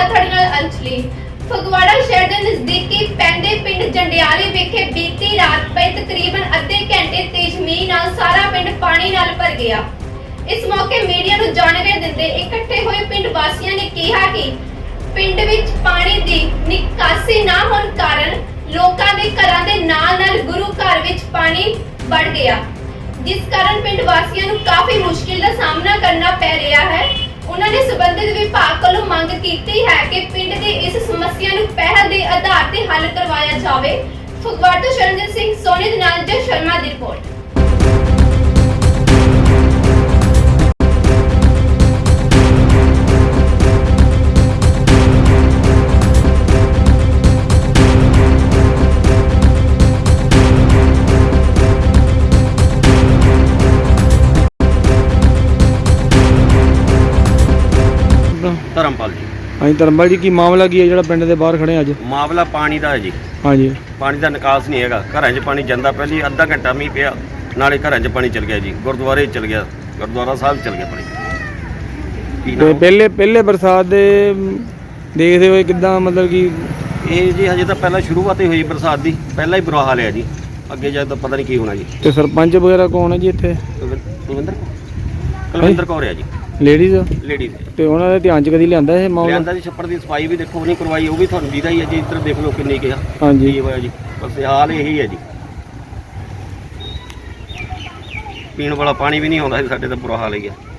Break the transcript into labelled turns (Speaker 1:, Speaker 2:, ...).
Speaker 1: ਮੈਂ ਤੁਹਾਡੇ ਨਾਲ ਅੰਜਲੀ। ਫਗਵਾੜਾ ਸ਼ਹਿਰ ਦੇ ਨਜ਼ਦੀਕੀ ਪੈਂਦੇ ਪਿੰਡ ਜੰਡਿਆਲੀ ਵਿਖੇ ਬੀਤੀ ਰਾਤ ਪਏ ਤਕਰੀਬਨ ਅੱਧੇ ਘੰਟੇ ਤੇਜ਼ ਮੀਂਹ ਨਾਲ ਸਾਰਾ ਪਿੰਡ ਪਾਣੀ ਨਾਲ ਭਰ ਗਿਆ। ਇਸ ਮੌਕੇ ਮੀਡੀਆ ਨੂੰ ਜਾਣਕਾਰੀ ਦਿੰਦੇ ਇਕੱਠੇ ਹੋਏ ਪਿੰਡ ਵਾਸੀਆਂ ਨੇ ਕਿਹਾ ਕਿ ਪਿੰਡ ਵਿੱਚ ਪਾਣੀ ਦੀ ਨਿਕਾਸੀ ਨਾ ਹੋਣ ਕਾਰਨ ਲੋਕਾਂ ਦੇ ਘਰਾਂ ਦੇ ਨਾਲ-ਨਾਲ ਗੁਰੂ ਘਰ ਵਿੱਚ ਪਾਣੀ ਵੜ ਗਿਆ, ਜਿਸ ਕਾਰਨ ਪਿੰਡ ਵਾਸੀਆਂ ਨੂੰ ਕਾਫੀ ਮੁਸ਼ਕਿਲ ਦਾ ਸਾਹਮਣਾ ਕਰਨਾ ਪੈ ਰਿਹਾ ਹੈ। ਉਹਨਾਂ ਨੇ ਸੰਬੰਧਿਤ ਵਿਭਾਗ ਕੋਲੋਂ ਮੰਗ ਕੀਤੀ ਹੈ ਕਿ ਪਿੰਡ ਦੀ ਇਸ ਸਮੱਸਿਆ ਨੂੰ ਪਹਿਲ ਦੇ ਆਧਾਰ ਤੇ ਹੱਲ ਕਰਵਾਇਆ ਜਾਵੇ। ਫਗਵਾੜਾ ਤੋਂ ਸ਼ਰਨਜੀਤ ਸਿੰਘ ਸੋਨੀ ਦੇ ਨਾਲ ਜੈ ਸ਼ਰਮਾ ਦੀ ਰਿਪੋਰਟ।
Speaker 2: ਧਰਮਪਾਲ ਜੀ।
Speaker 3: ਹਾਂਜੀ ਧਰਮਪਾਲ ਜੀ, ਕੀ ਮਾਮਲਾ ਕੀ ਹੈ ਜਿਹੜਾ ਪਿੰਡ ਦੇ ਬਾਹਰ ਖੜੇ ਅੱਜ?
Speaker 2: ਮਾਮਲਾ ਪਾਣੀ ਦਾ ਹੈ ਜੀ।
Speaker 3: ਹਾਂਜੀ,
Speaker 2: ਪਾਣੀ ਦਾ ਨਿਕਾਸ ਨਹੀਂ ਹੈਗਾ। ਘਰਾਂ 'ਚ ਪਾਣੀ ਜਾਂਦਾ, ਪਹਿਲੀ ਅੱਧਾ ਘੰਟਾ ਮੀਂਹ ਪਿਆ, ਨਾਲੇ ਘਰਾਂ 'ਚ ਪਾਣੀ ਚਲ ਗਿਆ ਜੀ। ਗੁਰਦੁਆਰੇ ਚਲ ਗਿਆ, ਗੁਰਦੁਆਰਾ ਸਾਹਿਬ ਚਲ ਗਿਆ ਪਾਣੀ।
Speaker 3: ਤੇ ਪਹਿਲੇ ਬਰਸਾਤ ਦੇ ਦੇਖਦੇ ਹੋਏ ਕਿੱਦਾਂ, ਮਤਲਬ ਕਿ
Speaker 2: ਇਹ ਜੀ ਹਜੇ ਤਾਂ ਪਹਿਲਾਂ ਸ਼ੁਰੂਆਤ ਹੀ ਹੋਈ ਬਰਸਾਤ ਦੀ, ਪਹਿਲਾਂ ਹੀ ਬੁਰਾ ਹਾਲ ਹੈ ਜੀ। ਅੱਗੇ ਜਾ ਤਾਂ ਪਤਾ ਨਹੀਂ ਕੀ ਹੋਣਾ ਜੀ।
Speaker 3: ਤੇ ਸਰਪੰਚ ਵਗੈਰਾ ਕੌਣ ਹੈ ਜੀ ਇੱਥੇ?
Speaker 2: ਕੁਲਵਿੰਦਰ ਕੌਰ ਹੈ ਜੀ,
Speaker 3: ਲੇਡੀਜ਼।
Speaker 2: ਲੇਡੀਜ਼।
Speaker 3: ਤੇ ਉਹਨਾਂ ਦੇ ਧਿਆਨ 'ਚ ਕਦੀ ਲਿਆਂਦਾ ਇਹ ਮਾਮਲਾ?
Speaker 2: ਲਿਆਂਦਾ ਜੀ। ਛੱਪੜ ਦੀ ਸਫਾਈ ਵੀ ਦੇਖੋ ਨਹੀਂ ਕਰਵਾਈ, ਉਹ ਵੀ ਤੁਹਾਨੂੰ ਦੀਦਾ ਹੀ ਹੈ ਜੀ। ਇੱਧਰ ਦੇਖ ਲਓ ਕਿੰਨੀ ਕਿਹਾ
Speaker 3: ਹਾਂਜੀ
Speaker 2: ਕੀ ਹੋਇਆ ਜੀ। ਬਸ ਹਾਲ ਇਹੀ ਹੈ ਜੀ। ਪੀਣ ਵਾਲਾ ਪਾਣੀ ਵੀ ਨਹੀਂ ਆਉਂਦਾ ਜੀ, ਸਾਡੇ ਤਾਂ ਬੁਰਾ ਹਾਲ ਹੀ ਹੈ।